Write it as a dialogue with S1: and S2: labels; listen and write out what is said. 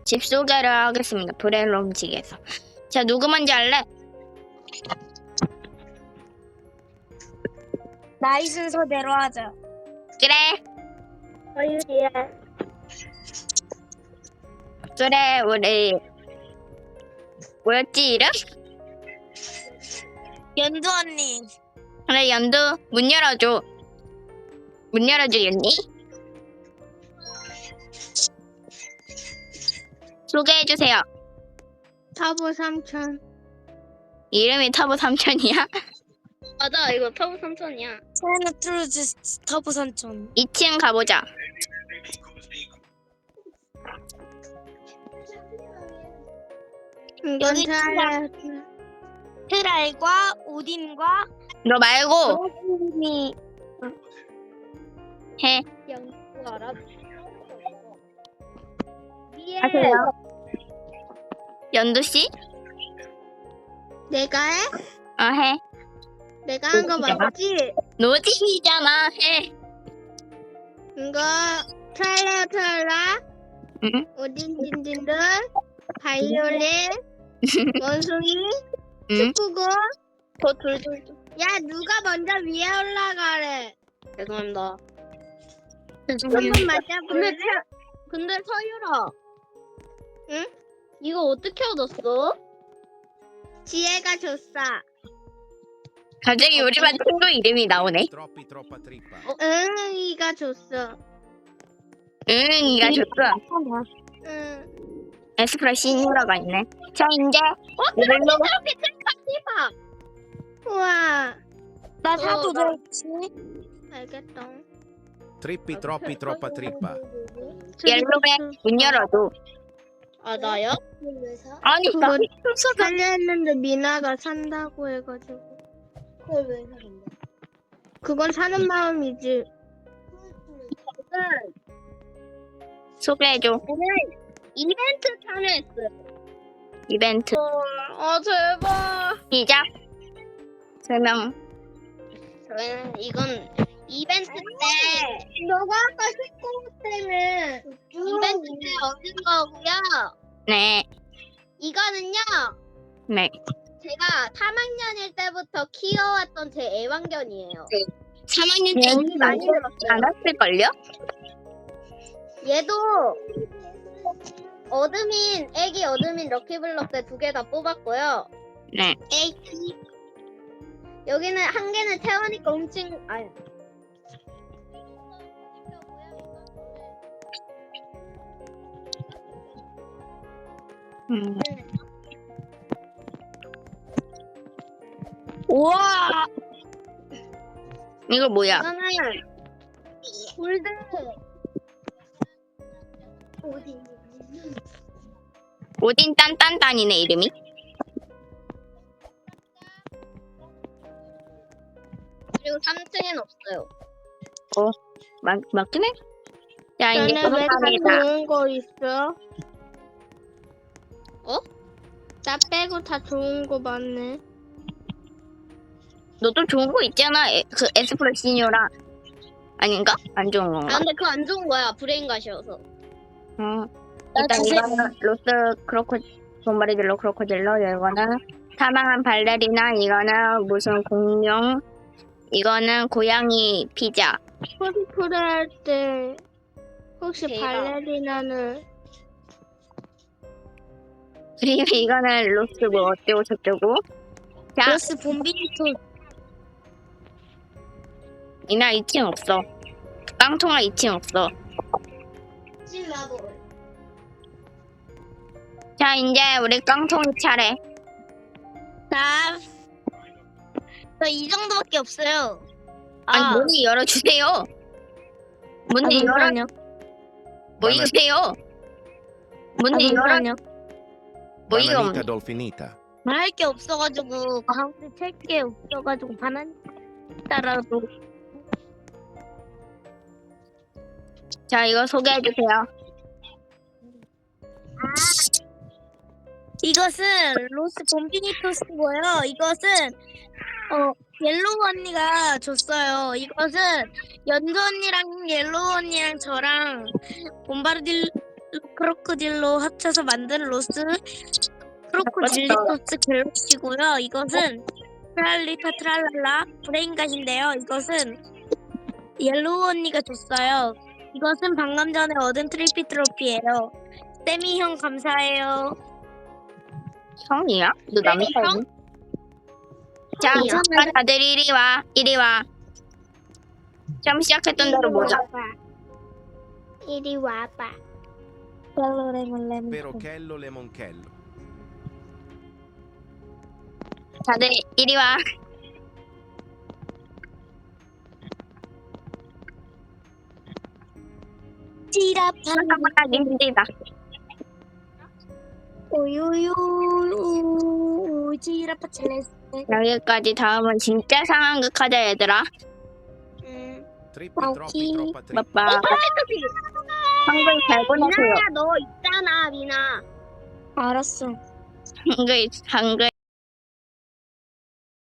S1: 집 소개를 하겠습니다. 브레롬직에서. 자, 누구 먼저 할래?
S2: 나이 순서대로 하자.
S1: 그래.
S2: 서유리야.
S1: 그래, 우리 뭐였지 이름?
S2: 연두 언니.
S1: 그래, 연두 문 열어줘. 문 열어주겠니? 소개해주세요.
S2: 터보 삼촌.
S1: 이름이 터보 삼촌이야?
S3: 맞아, 이거 터보 삼촌이야.
S2: 차이나 트루즈 터보 삼촌.
S1: 2층 가보자.
S2: 여기 트랄과 오딘과
S1: 너 말고
S2: 로빈이
S1: 해.
S3: 연구 알아? 위에
S1: 하세요. 연두씨?
S2: 내가 해?
S1: 해.
S2: 내가 한 거 맞지?
S1: 노잼이잖아. 해.
S2: 이거 트랄라
S1: 응?
S2: 오딘딘딘들 바이올린 원숭이
S1: 응?
S2: 축구공.
S3: 저 둘둘.
S2: 야 누가 먼저 위에 올라가래.
S3: 죄송합니다.
S2: 한번 맞아볼래?
S3: 근데 서유라.
S2: 응?
S3: 이거 어떻게 얻었어?
S2: 지혜가 줬어.
S1: 갑자기 우리 반 친구 이름이 나오네.
S4: Troppa trippa.
S2: 응이가 줬어.
S1: 응이가 줬어.
S2: 응.
S1: 에스프라 시니어가 있네. 자, 이제
S3: 이걸로 이렇게 트리파.
S2: 우와. 나
S3: 사도
S2: 되지? 알겠다.
S4: Trippi troppi troppa trippa.
S1: 옐로에 문 열어줘.
S3: 아 나요?
S1: 아니, 나
S2: 그거
S1: 훔쳐서.
S2: 살려 했는데 미나가 산다고 해가지고.
S3: 그걸 왜 사는데?
S2: 그건 사는 마음이지.
S1: 소개해줘.
S3: 오늘 이벤트 참여했어요.
S1: 이벤트.
S3: 아 제발.
S1: 시작. 설명.
S3: 저희는 이건 이벤트 때
S2: 너가 아까 19호 때문에
S3: 이벤트 때 얻은 거고요.
S1: 네.
S3: 이거는요.
S1: 네.
S3: 제가 3학년일 때부터 키워왔던 제 애완견이에요.
S1: 3학년 때
S3: 돈이 많이 들었어요.
S1: 안 왔을걸요?
S3: 얘도 애기 어드민 럭키블럭 때 2개 다 뽑았고요.
S1: 네.
S3: 여기는 한 개는 태원이가 훔친 아니.
S2: 우와.
S1: 이거 뭐야?
S3: 이거는 골드
S1: 오딘 딴딴딴이네, 이름이.
S3: 그리고 3층엔 없어요.
S1: 맞긴 해? 자, 이제
S2: 너네 왜 다
S1: 감사합니다.
S2: 좋은 거 있어?
S3: 어?
S2: 나 빼고 다 좋은 거 많네.
S1: 너도 좋은 거 있잖아. 그 에스프라 시니어라. 아닌가? 안 좋은 건가?
S3: 아 근데 그거 안 좋은 거야. 브레인갓이어서.
S1: 일단 이거는 로스 돈바리딜로 크로코딜로, 이거는 사망한 발레리나, 이거는 무슨 공룡, 이거는 고양이 피자.
S2: 코스프레 할 때 혹시
S3: 대박.
S2: 발레리나는
S1: 그리고 이거는 로스 뭐 어쩌고 저쩌고. 자,
S2: 로스 봄비니토.
S1: 이날 2층 없어. 깡통아 2층 없어. 자, 이제 우리 깡통이 차례.
S2: 나 이 정도밖에 없어요.
S1: 아니, 문을 열어주세요. 문을 열어, 모이세요. 문을 열어, 모이가 없네.
S4: Banalita dolfinita.
S2: 말할 게 없어가지고 가운데 찰게 없어가지고 반환 따라도.
S1: 자, 이거 소개해주세요.
S2: 이것은 로스 봄비니토스고요. 이것은 옐로우 언니가 줬어요. 이것은 연두 언니랑 옐로우 언니랑 저랑 크로코딜로 합쳐서 만든 로스 크로코딜리 소스 갤럭시고요. 이것은 트랄리타 트랄랄라 브레인갓인데요. 이것은 옐로우 언니가 줬어요. 이것은 방금 전에 얻은 트리피 트로피예요. 세미 형 감사해요.
S1: 형이야? 너 남의
S3: 형?
S1: 사이? 자, 잠깐 다들 이리 와. 이리 와. 처음 시작했던 대로 보자.
S3: 이리 와봐.
S2: 레몬
S4: Perochello lemonchello.
S1: 다들 이리 와.
S2: 지라파
S1: 생각하기 힘들다.
S2: 오요요 지라파 첼레스.
S1: 여기까지. 다음은 진짜 상황극 하자 얘들아.
S4: Trippi
S2: Ok.
S4: troppi troppa trippa.
S1: 빠빠. 한글 잘 보내세요.
S3: 미나야 너 있잖아 미나.
S2: 알았어.
S1: 한글